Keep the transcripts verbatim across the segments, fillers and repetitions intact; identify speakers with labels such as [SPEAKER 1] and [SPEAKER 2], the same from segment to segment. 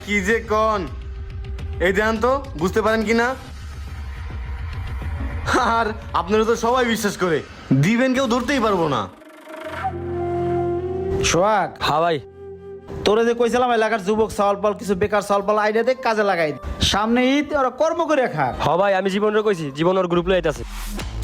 [SPEAKER 1] কি যে কোন এই দেন তো বুঝতে পারেন কি না? আর আপনারা তো সবাই বিশ্বাস করে দিবেন, কেউ ধরতেই পারবো না।
[SPEAKER 2] সোহাগ,
[SPEAKER 3] হ্যাঁ ভাই।
[SPEAKER 2] তোরে যে কইছিলাম এলাকার যুবক সালপাল কিছু বেকার সালপাল আইডিয়া দে কাজে লাগাই দে। সামনে ঈদ, ওরা কর্ম করে খাক।
[SPEAKER 3] হ ভাই, আমি জীবনের কইছি, জীবন ওর গ্রুপ লইতে আছে।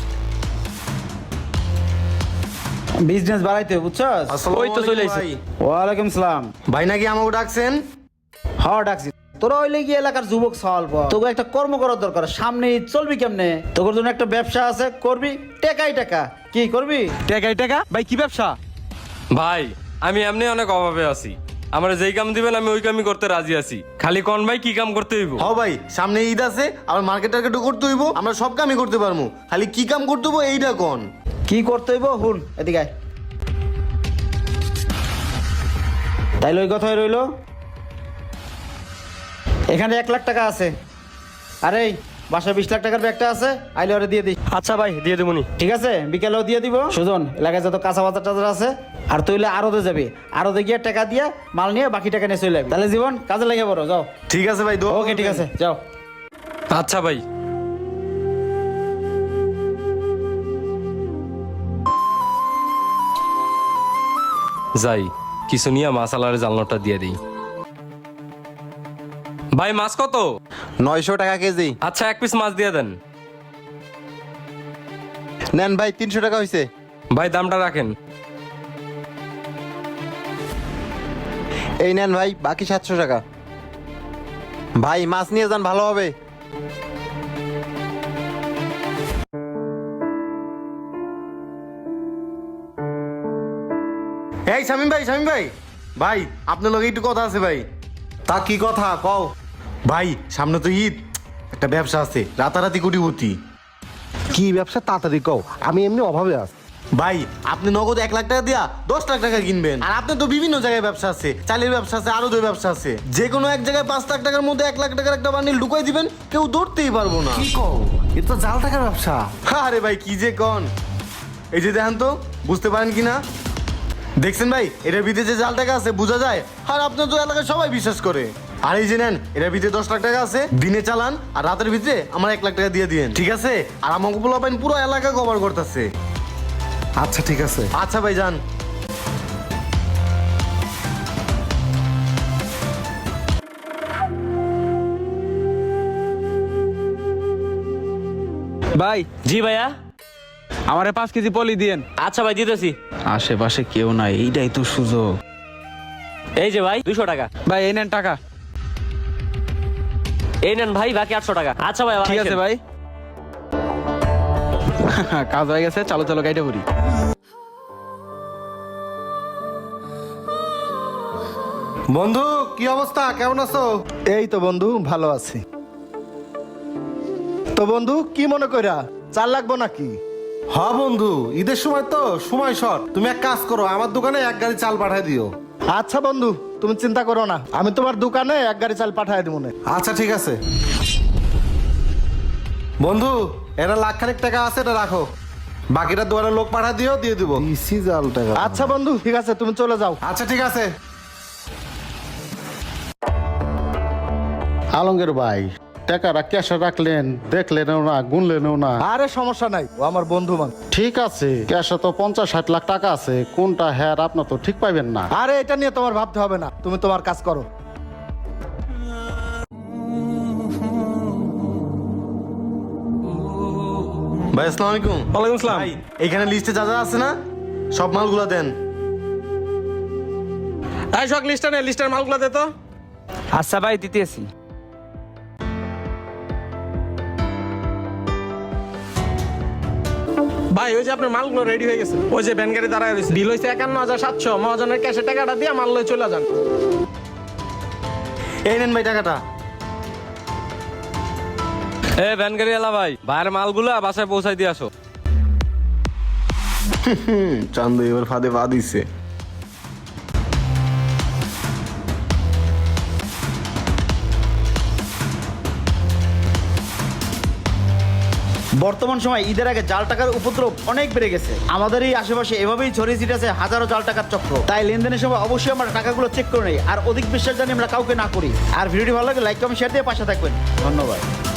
[SPEAKER 2] বিজনেস বাড়াইতে বুঝছস?
[SPEAKER 1] আসসালামু
[SPEAKER 3] ওই তো চলে
[SPEAKER 1] আলাইকুম
[SPEAKER 3] আইছে।
[SPEAKER 1] ভাই।
[SPEAKER 2] ওয়ালাইকুম সালাম।
[SPEAKER 1] ভাই নাকি আমাকে ডাকছেন?
[SPEAKER 2] হ ডাকছি। তোরা হইলে গিয়ে এলাকার যুবক সালপাল, তোকে একটা কর্ম করার দরকার। সামনে ঈদ চলবি কেমনে? তোর জন্য একটা ব্যবসা আছে, করবি টাকাই টাকা। কি করবি?
[SPEAKER 4] টাকাই টাকা ভাই, কি ব্যবসা?
[SPEAKER 5] ভাই আমি এমনি অনেক অভাবে আছি, আমার যেই কাম দিবেন আমি ওই কামই করতে রাজি আছি। খালি কোন ভাই কি কাম করতে হইব?
[SPEAKER 1] হ ভাই, সামনে ঈদ আছে, আবার মার্কেট টার্কেটও করতে হইব, আমরা সব কামই করতে পারবো, খালি কি কাম করতে হইব এইটা কোন।
[SPEAKER 2] কি করতে হইব হুন এদিকে আয়। তাইলে ওই কথাই রইলো। এখানে এক লাখ টাকা আছে। আরে বাসায় বিশ লাখ টাকার ব্যাগটা আছে, আইলে ওরে দিয়ে দিস।
[SPEAKER 3] আচ্ছা ভাই, দিয়ে দেবনি।
[SPEAKER 2] ঠিক আছে, বিকেলেও দিয়ে দিব। সুজন, এলাকায় যত কাঁচা বাজার টাজার আছে, আর তুইলে আরতে যাবি, আরতে গিয়ে টাকা দিয়ে মাল নিয়ে বাকি টাকা নিয়ে চলে যাবি। তাহলে জীবন কাজে লেগে পড়ো, যাও।
[SPEAKER 1] ঠিক আছে ভাই, দোয়া
[SPEAKER 2] ওকে ঠিক
[SPEAKER 1] করবেন।
[SPEAKER 2] আছে, যাও।
[SPEAKER 5] আচ্ছা ভাই। যাই কিছু নিয়ে মাসালার জানলাটা দিয়ে দিই। ভাই মাছ কত?
[SPEAKER 4] নয়শো টাকা কেজি।
[SPEAKER 5] আচ্ছা এক পিস মাছ দিয়ে দেন।
[SPEAKER 4] নেন ভাই, তিনশো টাকা হয়েছে।
[SPEAKER 5] ভাই দামটা রাখেন।
[SPEAKER 4] এই নেন ভাই, বাকি সাতশো টাকা। ভাই মাছ নিয়ে যান, ভালো হবে।
[SPEAKER 1] এই শামিম ভাই, শামিম ভাই, ভাই আপনার লগে একটু কথা আছে ভাই।
[SPEAKER 4] তা কি কথা কও?
[SPEAKER 1] ভাই সামনে তো ঈদ, একটা ব্যবসা আছে, রাতারাতি কোটিপতি।
[SPEAKER 4] কি ব্যবসা তাড়াতাড়ি কও, আমি এমনি অভাবে আছি।
[SPEAKER 1] ভাই আপনি নগদ এক লাখ টাকা দিয়া দশ লাখ টাকা কিনবেন, আর আপনার তো বিভিন্ন জায়গায় ব্যবসা আছে, চালের ব্যবসা আছে, আরো দুই ব্যবসা আছে, যে কোনো এক জায়গায় পাঁচ লাখ টাকার মধ্যে এক লাখ টাকার একটা বান্ডিল ঢুকাই দিবেন, কেউ ধরতেই পারবো না।
[SPEAKER 4] কি কও, এটা তো জাল টাকার ব্যবসা।
[SPEAKER 1] আরে ভাই কি যে কন, এই যে দেখেন তো, বুঝতে পারেন কি না? দেখছেন ভাই, এটার ভিতরে যে জাল টাকা আছে বোঝা যায়, আর আপনার তো এলাকায় সবাই বিশ্বাস করে। আর এই যে নেন, এটার ভিতরে দশ লাখ টাকা আছে, দিনে চালান আর রাতের ভিতরে আমার এক লাখ টাকা দিয়ে দিন, ঠিক আছে? আর আমাকে বলা পাইন পুরো এলাকা কভার করতেছে।
[SPEAKER 4] আচ্ছা ঠিক আছে।
[SPEAKER 1] আচ্ছা ভাই যান।
[SPEAKER 6] ভাই,
[SPEAKER 3] জি ভাইয়া।
[SPEAKER 6] আমারে পাঁচ কেজি পলি দিয়েন।
[SPEAKER 3] আচ্ছা ভাই, দিতেছি।
[SPEAKER 6] আশেপাশে কেউ নাই, এইটাই তো সুযোগ।
[SPEAKER 3] এই যে ভাই দুশো টাকা।
[SPEAKER 6] ভাই এই নেন টাকা।
[SPEAKER 3] এই নেন ভাই বাকি আটশো টাকা। আচ্ছা ভাই,
[SPEAKER 6] ঠিক আছে ভাই। কাজ হয়ে গেছে, চলো চলো গাইডে করি।
[SPEAKER 4] বন্ধু কি অবস্থা, কেমন আছো? এই তো বন্ধু ভালো আছি। তো বন্ধু কি মনে কইরা, চাল লাগবো নাকি?
[SPEAKER 7] হ্যাঁ বন্ধু, ঈদের সময় তো সময় শর্ট, তুমি এক কাজ করো, আমার দোকানে এক গাড়ি চাল পাঠায় দিও।
[SPEAKER 4] আচ্ছা বন্ধু, তুমি চিন্তা করো না, আমি তোমার দোকানে এক গাড়ি চাল পাঠাই দিব না।
[SPEAKER 7] আচ্ছা ঠিক আছে বন্ধু, এটা লাখ খানিক টাকা আছে, এটা রাখো, বাকিটা দোকানের লোক পাঠা দিও, দিয়ে দিব।
[SPEAKER 4] জাল টাকা। আচ্ছা বন্ধু ঠিক আছে, তুমি চলে যাও।
[SPEAKER 7] আচ্ছা ঠিক আছে।
[SPEAKER 8] আলমগীর ভাই, টাকাটা ক্যাশে রাখলেন, দেখলেনও না, গুনলেনও না।
[SPEAKER 4] আরে সমস্যা নাই, ও আমার বন্ধু মান।
[SPEAKER 8] ঠিক আছে, ক্যাশে তো পঞ্চাশ ষাট লাখ টাকা আছে, কোনটা হ্যাঁ আপনার তো ঠিক পাইবেন না।
[SPEAKER 4] আরে এটা নিয়ে তোমার ভাবতে হবে না, তুমি তোমার কাজ করো।
[SPEAKER 1] ভাই আসসালামু আলাইকুম।
[SPEAKER 5] ওয়ালাইকুম আসসালাম।
[SPEAKER 1] ভাই এখানে লিস্টে যা যা আছে না, সব মালগুলো দেন।
[SPEAKER 5] এই সব লিস্টটা নে, লিস্টের মালগুলো দে তো।
[SPEAKER 6] আচ্ছা ভাই, দিতেছি।
[SPEAKER 9] ভাই ওই যে আপনার মালগুলো রেডি হয়ে গেছে, ওই যে ভ্যান গাড়ি দাঁড়ায় রয়েছে, বিল হয়েছে একান্ন হাজার সাতশো। মহাজনের ক্যাশে টাকাটা দিয়ে মাল লয়ে চলে যান।
[SPEAKER 1] এই নেন ভাই টাকাটা।
[SPEAKER 5] এ ভ্যান গাড়ি এলা ভাই, ভাইয়ের মালগুলো বাসায় পৌঁছাই দিয়ে আসো।
[SPEAKER 1] হুম, চান্দু এবার ফাঁদে পা দিচ্ছে।
[SPEAKER 2] বর্তমান সময় ঈদের আগে জাল টাকার উপদ্রব অনেক বেড়ে গেছে। আমাদের এই আশেপাশে এভাবেই ছড়িয়ে ছিটেছে হাজারো জাল টাকার চক্র। তাই লেনদেনের সময় অবশ্যই আমরা টাকাগুলো চেক করে নেই আর অধিক বিশ্বাস জানি আমরা কাউকে না করি। আর ভিডিওটি ভালো লাগে লাইক কমেন্ট শেয়ার দিয়ে পাশে থাকবেন। ধন্যবাদ।